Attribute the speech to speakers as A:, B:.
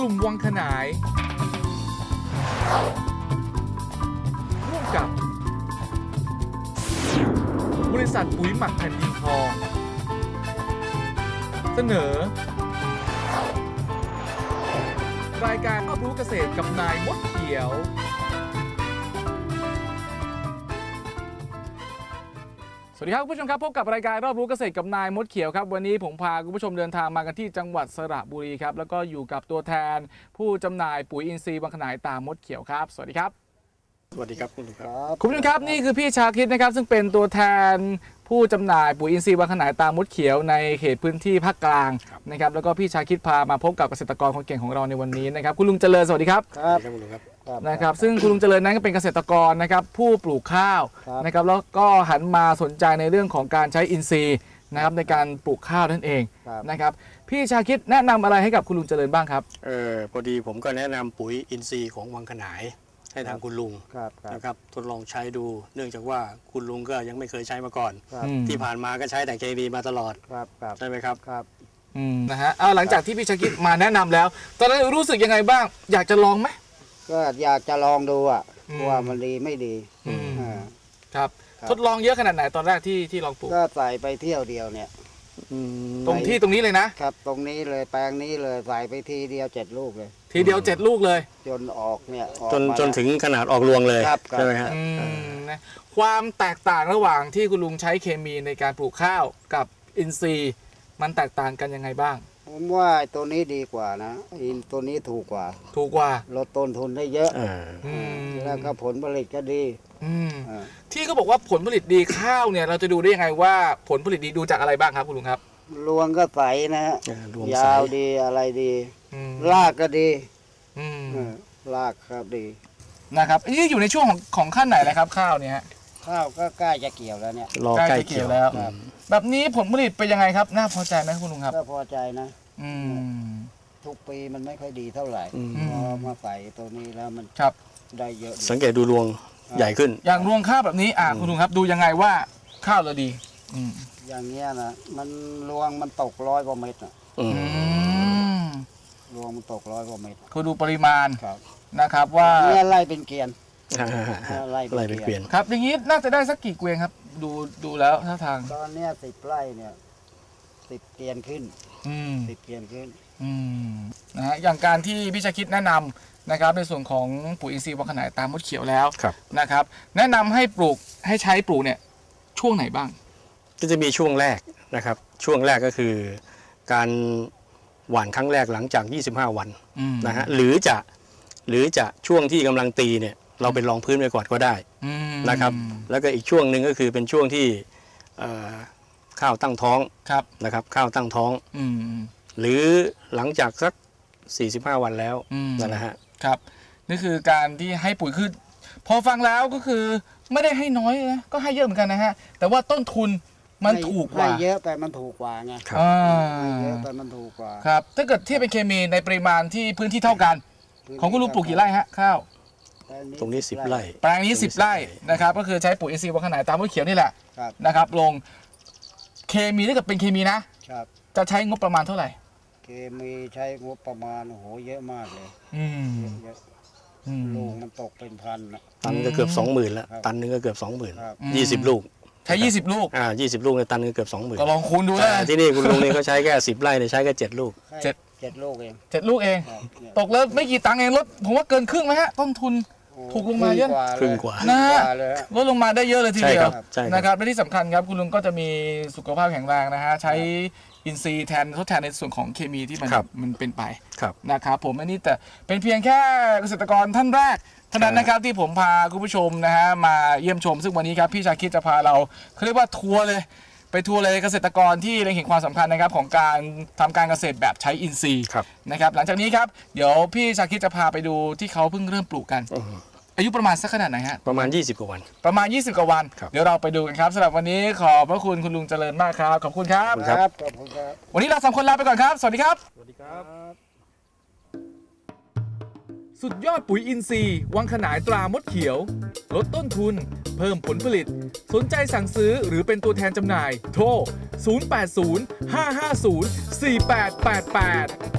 A: ลุ่มวังขนายร่วมกับบริษัทปุ๋ยหมักแผ่นดินทองเสนอรายการรอบรู้เกษตรกับนายมดเขียวสวัสดีครับคุณผู้ชมครับพบกับรายการรอบรู้เกษตรกับนายมดเขียวครับวันนี้ผมพาคุณผู้ชมเดินทางมากันที่จังหวัดสระบุรีครับแล้วก็อยู่กับตัวแทนผู้จำหน่ายปุ๋ยอินทรีย์วังขนายตามมดเขียวครับสวัสดีครับ
B: สวัสดีครับคุณผู้
A: ชมครับนี่คือพี่ชาคิดนะครับซึ่งเป็นตัวแทนผู้จำหน่ายปุ๋ยอินทรีย์วังขนายตามมดเขียวในเขตพื้นที่ภาคกลางนะครับแล้วก็พี่ชาคิดพามาพบกับเกษตรกรคนเก่งของเราในวันนี้นะครับคุณลุงเจริญสวัสดีครับนะครับซึ่งคุณลุงเจริญนั้นก็เป็นเกษตรกรนะครับผู้ปลูกข้าวนะครับแล้วก็หันมาสนใจในเรื่องของการใช้อินทรีย์นะครับในการปลูกข้าวนั่นเองนะครับพี่ชาคิดแนะนำอะไรให้กับคุณลุงเจริญบ้างครับ
B: พอดีผมก็แนะนำปุ๋ยอินทรีย์ของวังขนายให้ทางคุณลุงนะครับทดลองใช้ดูเนื่องจากว่าคุณลุงก็ยังไม่เคยใช้มาก่อนที่ผ่านมาก็ใช้แต่เคมีมาตลอดใช่ไหมครับ
A: นะฮะหลังจากที่พี่ชาคิดมาแนะนำแล้วตอนนั้นรู้สึกยังไงบ้างอยากจะลองไหม
C: ก็อยากจะลองดูว่ามันดีไม่ดี
A: ครับทดลองเยอะขนาดไหนตอนแรกที่ลองปลูก
C: ก็ใส่ไปเที่ยวเดียวเนี่ย
A: ตรงนี้เลยนะครับ
C: ตรงนี้เลยแปลงนี้เลยใส่ไปทีเดียว7 ลูกเลย
A: ทีเดียว7 ลูกเลย
C: จนออกเนี่ย
B: จนถึงขนาดออกรวงเลยใช่ไหมครับ
A: ความแตกต่างระหว่างที่คุณลุงใช้เคมีในการปลูกข้าวกับอินทรีย์มันแตกต่างกันยังไงบ้าง
C: ผมว่าตัวนี้ดีกว่านะตัวนี้ถูกกว่าลดต้นทุนได้เยอะแล้วก็ผลผลิตก็ดี
A: ที่เขาบอกว่าผลผลิตดีข้าวเนี่ยเราจะดูได้ยังไงว่าผลผลิตดีดูจากอะไรบ้างครับคุณลุงครับ
C: รวงก็ใสนะฮะยาวดีอะไรดีรากก็ดีรากครับดี
A: นะครับนี่อยู่ในช่วงของขั้นไหนเลยครับข้าวเนี่ย
C: ข้าวก็ใกล้จะเกี่ยวแล้วเนี่ย
A: ใกล้จะเกี่ยวแล้วแบบนี้ผลผลิตเป็นยังไงครับน่าพอใจไหมคุณลุงครับ
C: ก็พอใจนะทุกปีมันไม่ค่อยดีเท่าไหร่พอมาใส่ตัวนี้แล้วมันได้เยอะ
B: สังเกตดูรวงใหญ่ขึ้น
A: อย่างรวงข้าวแบบนี้คุณลุงครับดูยังไงว่าข้าวเราดี
C: อย่างเงี้ยนะมันรวงมันตก100 กว่าเม็ดรวงมันตก100 กว่าเม็ด
A: คือดูปริมาณนะครับว่า
C: เนี่ยไล่เป็นเกวียน
B: ไล่เป็นเกวียน
A: ครับอย่างนี้น่าจะได้สักกี่เกวียนครับดูแล้วท่าทาง
C: ตอนนี้10 ไร่เนี่ย10 เกวียนขึ้น10 เกวียนขึ้น
A: นะฮะอย่างการที่พี่ชาคิดแนะนำนะครับในส่วนของปุ๋ยอินทรีย์วังขนายตามมดเขียวแล้วนะครับแนะนำให้ใช้ปลูกเนี่ยช่วงไหนบ้าง
B: ก็จะมีช่วงแรกนะครับช่วงแรกก็คือการหว่านครั้งแรกหลังจาก25 วันนะฮะหรือจะช่วงที่กำลังตีเนี่ยเราไปรองพื้นไปก่อนก็ได้นะครับแล้วก็อีกช่วงหนึ่งก็คือเป็นช่วงที่ข้าวตั้งท้องนะครับข้าวตั้งท้องหรือหลังจากสัก45 วันแล้วนะฮะ
A: ครับนี่คือการที่ให้ปุ๋ยคือพอฟังแล้วก็คือไม่ได้ให้น้อยนะก็ให้เยอะเหมือนกันนะฮะแต่ว่าต้นทุนมันถูกกว่า
C: ให้เยอะแต่มันถูกกว่าไงเยอะแต่มันถูกกว่า
A: ครับถ้าเกิดเทียบเป็นเคมีในปริมาณที่พื้นที่เท่ากันของคุณลุงปลูกกี่ไร่ฮะข้าว
B: ตรงนี้10 ไร่
A: แปลงนี้10 ไร่นะครับก็คือใช้ปุ๋ยอินทรีย์วังขนายตามมดเขียวนี่แหละนะครับลงเคมีถ้าเกิดเป็นเคมีนะจะใช้งบประมาณเท่าไหร่
C: เคมีใช้งบประมาณโอ้โหเยอะมากเลยลูกมันตกเป็นพัน
B: ตันก็เกือบ 20,000แล้วตันนึงก็เกือบ 20,000 20 ลูก
A: ใช้20 ลูก
B: 20 ลูกในตันนึงเกือบ 20,000
A: ก็ลองคูณดูนะ
B: ที่นี่คุณลุงนี่เขาใช้แค่10 ไร่เนี่ยใช้แค่7 ลูก
C: 7 ลูกเอง
A: 7 ลูกเองตกแล้วไม่กี่ตังค์เองลดผมว่าเกินครึ่งไหมฮะต้นทุนถูกลงมาเยอะ
B: ครึ่งกว่า
A: นะลดลงมาได้เยอะเลยทีเดียวนะครับและที่สำคัญครับคุณลุงก็จะมีสุขภาพแข็งแรงนะฮะใช้อินทรีย์ทดแทนในส่วนของเคมีที่มันเป็นไปนะครับผมอันนี้แต่เป็นเพียงแค่เกษตรกรท่านแรกเท่านั้นนะครับที่ผมพาคุณผู้ชมนะฮะมาเยี่ยมชมซึ่งวันนี้ครับพี่ชาคิดจะพาเราเขาเรียกว่าทัวร์เลยไปทัวร์เลยเกษตรกรที่เล็งเห็นความสำคัญนะครับของการทำการเกษตรแบบใช้อินทรีย์นะครับหลังจากนี้ครับเดี๋ยวพี่ชาคิดจะพาไปดูที่เขาเพิ่งเริ่มปลูกกันอายุประมาณสักขนาดไหนฮะ
B: ประมาณ20 กว่าวัน
A: ประมาณ20 กว่าวันเดี๋ยวเราไปดูกันครับสำหรับวันนี้ขอบพระคุณคุณลุงเจริญมากครับขอบคุณครับ
C: ขอบคุณครับ
A: วันนี้เรา3 คนลาไปก่อนครับสวัสดีครับ
B: สวัสดีครับ
A: สุดยอดปุ๋ยอินทรีย์วังขนายตรามดเขียวลดต้นทุนเพิ่มผลผลิตสนใจสั่งซื้อหรือเป็นตัวแทนจำหน่ายโทร 080 550 4888